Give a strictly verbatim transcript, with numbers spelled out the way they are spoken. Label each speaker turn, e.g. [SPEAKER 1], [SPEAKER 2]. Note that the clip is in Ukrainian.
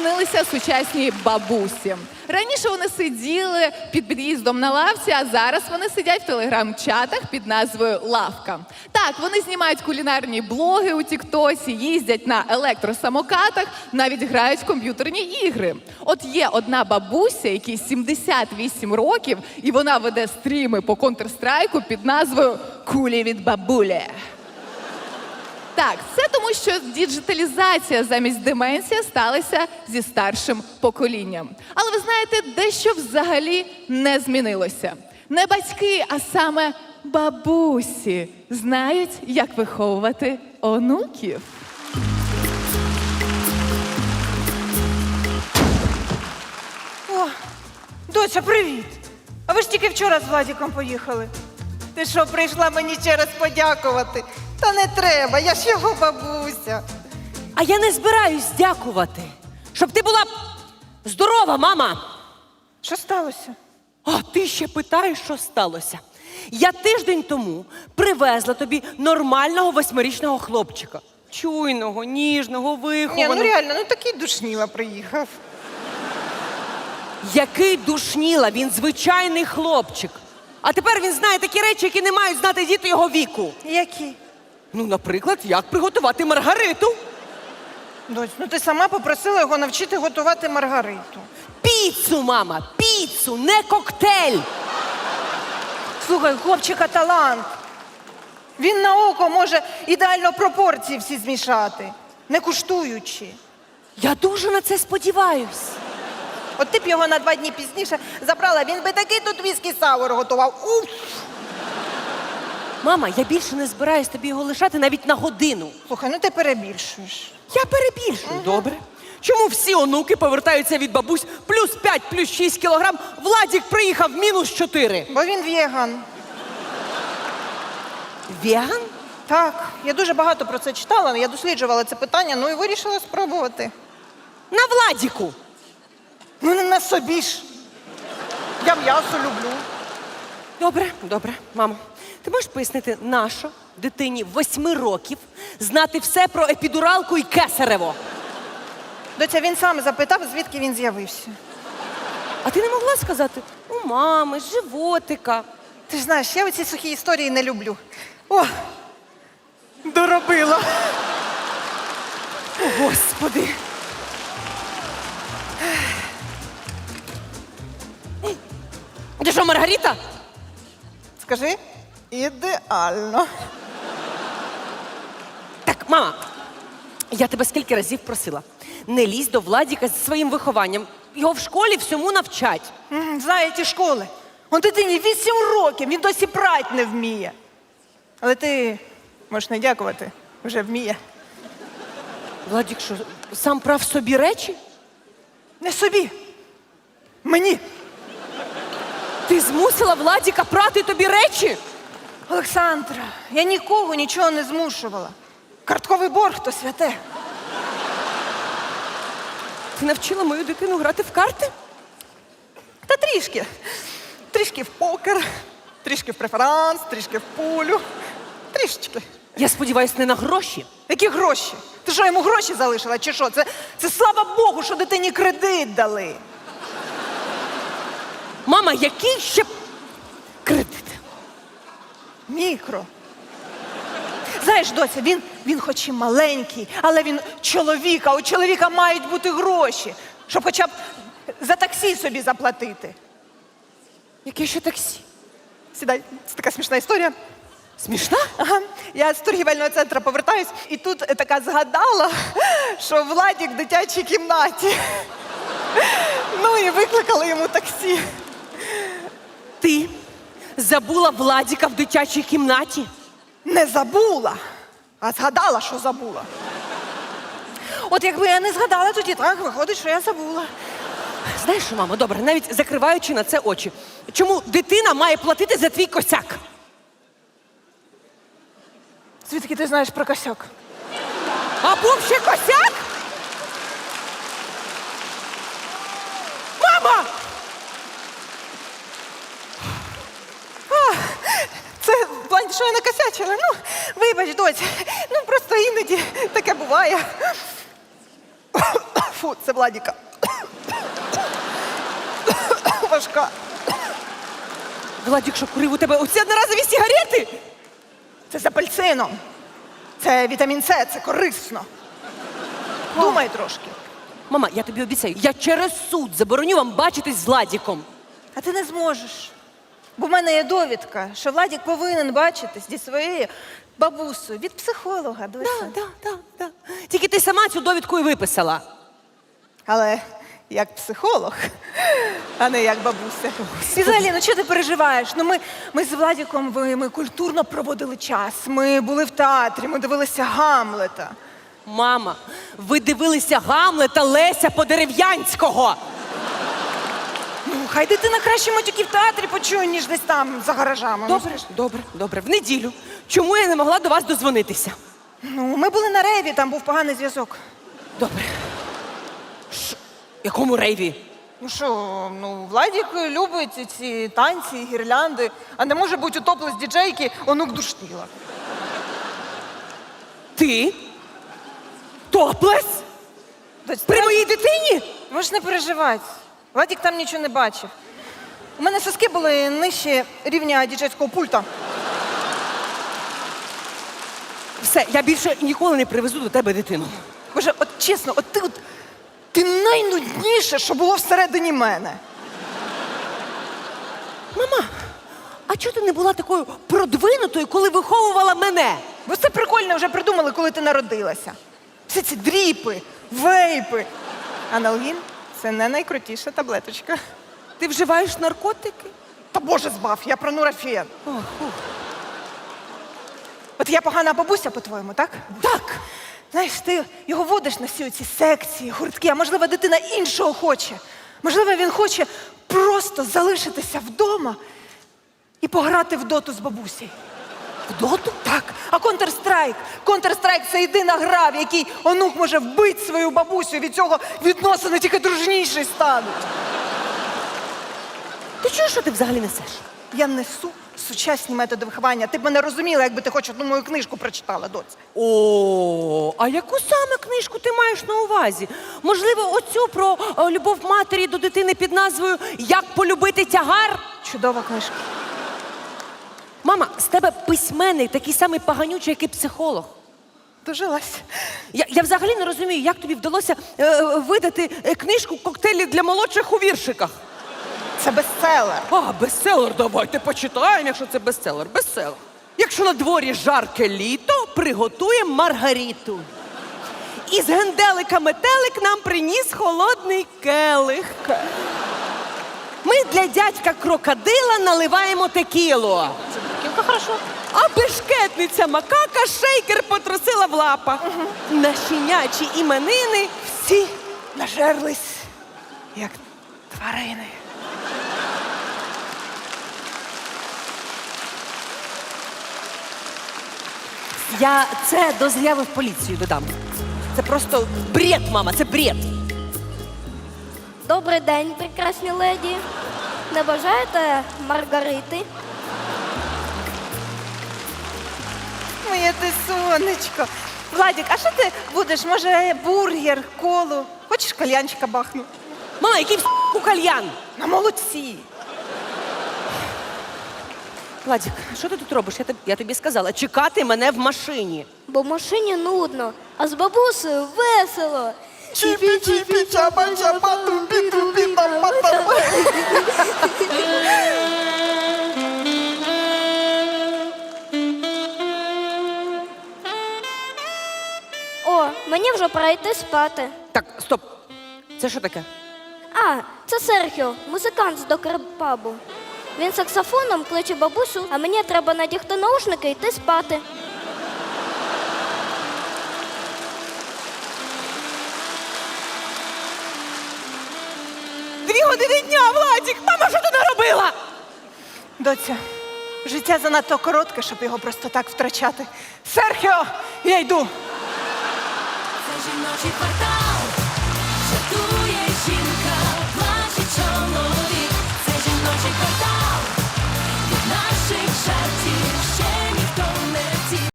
[SPEAKER 1] змінилися сучасні бабусі. Раніше вони сиділи під під'їздом на лавці, а зараз вони сидять в телеграм-чатах під назвою «Лавка». Так, вони знімають кулінарні блоги у тіктосі, їздять на електросамокатах, навіть грають в комп'ютерні ігри. От є одна бабуся, якій сімдесят вісім років, і вона веде стріми по Counter-Strike під назвою «Кулі від бабулі». Так, це тому, що діджиталізація замість деменції сталася зі старшим поколінням. Але ви знаєте, дещо взагалі не змінилося. Не батьки, а саме бабусі знають, як виховувати онуків.
[SPEAKER 2] О, доця, привіт! А ви ж тільки вчора з Владіком поїхали. Ти що, прийшла мені ще раз подякувати? Та не треба, я ж його бабуся.
[SPEAKER 3] А я не збираюсь дякувати. Щоб ти була здорова, мама.
[SPEAKER 2] Що сталося?
[SPEAKER 3] А ти ще питаєш, що сталося. Я тиждень тому привезла тобі нормального восьмирічного хлопчика. Чуйного, ніжного,
[SPEAKER 2] Ні,
[SPEAKER 3] вихованого.
[SPEAKER 2] ну реально, ну такий душніла приїхав.
[SPEAKER 3] Який душніла, він звичайний хлопчик. А тепер він знає такі речі, які не мають знати діти його віку.
[SPEAKER 2] Які?
[SPEAKER 3] Ну, наприклад, як приготувати маргариту.
[SPEAKER 2] Доць, ну ти сама попросила його навчити готувати маргариту.
[SPEAKER 3] Піцу, мама, піцу, не коктейль.
[SPEAKER 2] Слухай, у хлопчика талант. Він на око може ідеально пропорції всі змішати, не куштуючи.
[SPEAKER 3] Я дуже на це сподіваюсь.
[SPEAKER 2] От ти б його на два дні пізніше забрала, він би такий тут віскі сауер готував. Уф!
[SPEAKER 3] Мама, я більше не збираюсь тобі його лишати навіть на годину.
[SPEAKER 2] Слухай, ну ти перебільшуєш.
[SPEAKER 3] Я перебільшую. Добре. Чому всі онуки повертаються від бабусь плюс п'ять, плюс шість кілограм, Владік приїхав мінус чотири?
[SPEAKER 2] Бо він веган.
[SPEAKER 3] Веган?
[SPEAKER 2] Так, я дуже багато про це читала, я досліджувала це питання, ну і вирішила спробувати.
[SPEAKER 3] На Владіку.
[SPEAKER 2] Ну не на собі ж. Я м'ясо люблю.
[SPEAKER 3] Добре, добре, мамо. Ти можеш пояснити, нащо дитині восьми років знати все про епідуралку і кесарево?
[SPEAKER 2] Доця, він сам запитав, звідки він з'явився.
[SPEAKER 3] А ти не могла сказати, у мами, з животика.
[SPEAKER 2] Ти ж знаєш, я оці сухі історії не люблю. О, доробила.
[SPEAKER 3] О, Господи. Ти що, Маргарита?
[SPEAKER 2] Скажи, ідеально.
[SPEAKER 3] Так, мама, я тебе скільки разів просила. Не лізь до Владіка зі своїм вихованням. Його в школі всьому навчать.
[SPEAKER 2] М, Знає ті школи. Он дитині вісім років, він досі прать не вміє. Але ти можеш не дякувати, вже вміє.
[SPEAKER 3] Владік що, сам прав собі речі?
[SPEAKER 2] Не собі. Мені.
[SPEAKER 3] Ти змусила Владіка прати тобі речі?
[SPEAKER 2] Олександра, я нікого нічого не змушувала. Картковий борг то святе.
[SPEAKER 3] Ти навчила мою дитину грати в карти?
[SPEAKER 2] Та трішки. Трішки в покер, трішки в преферанс, трішки в пулю. Трішечки.
[SPEAKER 3] Я сподіваюся, не на гроші.
[SPEAKER 2] Які гроші? Ти що, йому гроші залишила, чи що? Це, це слава Богу, що дитині кредит дали.
[SPEAKER 3] Мама, який ще кредит?
[SPEAKER 2] Мікро. Знаєш, доця, він, він хоч і маленький, але він чоловік, а у чоловіка мають бути гроші, щоб хоча б за таксі собі заплатити.
[SPEAKER 3] Яке ще таксі?
[SPEAKER 2] Сідай, це така смішна історія.
[SPEAKER 3] Смішна?
[SPEAKER 2] Ага. Я з торгівельного центру повертаюсь, і тут така згадала, що Владік в дитячій кімнаті. Ну і викликали йому таксі.
[SPEAKER 3] Ти забула Владіка в дитячій кімнаті?
[SPEAKER 2] Не забула, а згадала, що забула. От якби я не згадала, тоді так виходить, що я забула.
[SPEAKER 3] Знаєш що, мамо, добре, навіть закриваючи на це очі. Чому дитина має платити за твій косяк?
[SPEAKER 2] Звідки ти знаєш про косяк?
[SPEAKER 3] А був ще косяк? Мама!
[SPEAKER 2] Це в плані, що я накосячила. Ну, вибач, доць. Ну, просто іноді таке буває. Фу, це Владіка. Важка.
[SPEAKER 3] Владік, що курив у тебе оці одноразові сигарети?
[SPEAKER 2] Це з апельсином. Це вітамін С, це корисно. Думай трошки.
[SPEAKER 3] Мама, я тобі обіцяю, я через суд забороню вам бачитись з Владіком.
[SPEAKER 2] А ти не зможеш. Бо в мене є довідка, що Владік повинен бачитись зі своєю бабусею від психолога. Дося.
[SPEAKER 3] Так, так, так, так. Тільки ти сама цю довідку і виписала.
[SPEAKER 2] Але як психолог, а не як бабуся. І взагалі, ну чого ти переживаєш? Ну ми, ми з Владіком ви- ми культурно проводили час. Ми були в театрі, ми дивилися Гамлета.
[SPEAKER 3] Мама, ви дивилися Гамлета Леся Подерев'янського.
[SPEAKER 2] Ну, хай дитина краще матюки в театрі почує, ніж десь там за гаражами.
[SPEAKER 3] Добре, добре, добре. В неділю. Чому я не могла до вас дозвонитися?
[SPEAKER 2] Ну, ми були на рейві, там був поганий зв'язок.
[SPEAKER 3] Добре. Ш... Якому рейві?
[SPEAKER 2] Ну що, ну, Владік любить ці танці, гірлянди, а не може бути у топлес діджейки онук Душтила.
[SPEAKER 3] Ти? Топлес?
[SPEAKER 2] Доць,
[SPEAKER 3] При
[SPEAKER 2] давай-
[SPEAKER 3] моїй дитині?
[SPEAKER 2] Можеш не переживати. Владік там нічого не бачив. У мене соски були нижче рівня діджейського пульта.
[SPEAKER 3] Все, я більше ніколи не привезу до тебе дитину.
[SPEAKER 2] Боже, от чесно, от ти от ти найнудніше, що було всередині мене.
[SPEAKER 3] Мама, а чого ти не була такою продвинутою, коли виховувала мене?
[SPEAKER 2] Бо це прикольно вже придумали, коли ти народилася. Всі ці дріпи, вейпи. Аналгін – це не найкрутіша таблеточка.
[SPEAKER 3] Ти вживаєш наркотики?
[SPEAKER 2] Та Боже збав, я про нурофен.
[SPEAKER 3] О, фу.
[SPEAKER 2] От я погана бабуся, по-твоєму, так?
[SPEAKER 3] Так.
[SPEAKER 2] Знаєш, ти його водиш на всі ці секції, гуртки, а можливо, дитина іншого хоче. Можливо, він хоче просто залишитися вдома і пограти в доту з бабусею.
[SPEAKER 3] В доту?
[SPEAKER 2] Так, а Counter-Strike? Counter-Strike – це єдина гра, в якій онук може вбити свою бабусю, від цього відносини тільки дружніші стануть.
[SPEAKER 3] Ти чуєш, що ти взагалі несеш?
[SPEAKER 2] Я несу сучасні методи виховання. Ти б мене розуміла, якби ти хоч одну мою книжку прочитала, доць.
[SPEAKER 3] О, а яку саме книжку ти маєш на увазі? Можливо, оцю про о, любов матері до дитини під назвою «Як полюбити тягар»?
[SPEAKER 2] Чудова книжка.
[SPEAKER 3] Мама, з тебе письменник такий самий поганючий, як і психолог.
[SPEAKER 2] Дожилась.
[SPEAKER 3] Я, я взагалі не розумію, як тобі вдалося е, видати е, книжку «Коктейлі для молодших у віршиках».
[SPEAKER 2] Це бестселер.
[SPEAKER 3] А, бестселер, давайте почитаємо, якщо це бестселер. Бестселер. Якщо на дворі жарке літо, приготуємо маргариту. Із генделика метелик нам приніс холодний келих. Ми для дядька крокодила наливаємо текілу.
[SPEAKER 2] Кілька хорошо.
[SPEAKER 3] А бешкетниця макака шейкер потрусила в лапах. На щенячі іменини
[SPEAKER 2] Всі нажерлись, як тварини.
[SPEAKER 3] я це до заяви в поліцію додам. Це просто бред, мама, це бред.
[SPEAKER 4] Добрий день, прекрасні леді. Не бажаєте Маргарити?
[SPEAKER 2] Моє ти сонечко. Владик, а що ти будеш? Може, бургер, колу? Хочеш кальянчика бахну?
[SPEAKER 3] Мама, який в***ку кальян?
[SPEAKER 2] На молодці.
[SPEAKER 3] Владик, що ти тут робиш? Я тобі, я тобі сказала, чекати мене в машині.
[SPEAKER 4] Бо в машині нудно, а з бабусею весело.
[SPEAKER 2] Чіпі-чіпі, чапа-чапа, тупі-тупі, там-па-там.
[SPEAKER 4] О, мені вже пора йти спати.
[SPEAKER 3] Так, стоп. Це що таке?
[SPEAKER 4] А, це Серхіо, музикант з докер-пабу. Він саксофоном кличе бабусю, а мені треба надягти наушники і йти спати.
[SPEAKER 3] Дві години дня, Владик! Мама, що ти наробила?
[SPEAKER 2] Доця, життя занадто коротке, щоб його просто так втрачати. Серхіо, я йду.
[SPEAKER 5] Це жіночий квартал.